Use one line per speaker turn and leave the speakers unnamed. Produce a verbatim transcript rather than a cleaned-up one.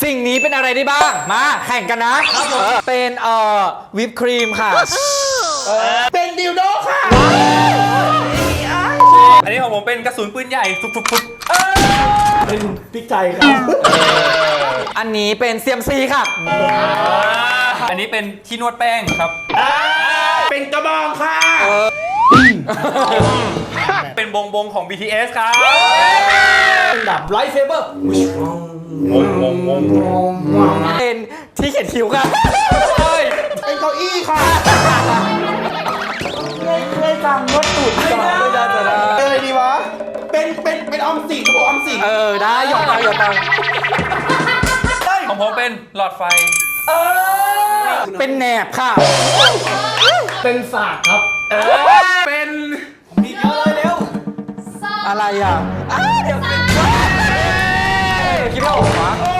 สิ่งนี้เป็นอะไรได้บ้างมาแข่งกันนะเป็นเอ่อวิปครีมค่ะ
เป็นดิวโดค่ะ
อันนี้ของผมเป็นกระสุนปืนใหญ่ทุบๆๆ
เป็นพริกไทยครับ
อันนี้เป็นเซียมซีค่ะ
อันนี้เป็นที่นวดแป้งครับ
เป็นกระบองค่ะ
เป็นบงบงของ บี ที เอส ครับ
เป็นแบบไลท์เซเบอร์
วงวงวง
เป็นที่เขียนคิ้วค่ะ
เป็นเก้าอี้ค่ะเคยเคยสั่งรถตูดก่อน
ไม่ได้ไม่ได้
เป็นอะไรดีวะเป็นเป็นเป็นออมสินกระบอกออมสิน
เออได้หยอกไปหยอกไป
ของผมเป็นหลอดไฟ
เป็นแหนบค่ะ
เป็นศาสตร์ครับเป็นมีเยอะเลยเร็ว
อะไรอ่ะอ้าเดี๋ยวคิดไม่ออกวะ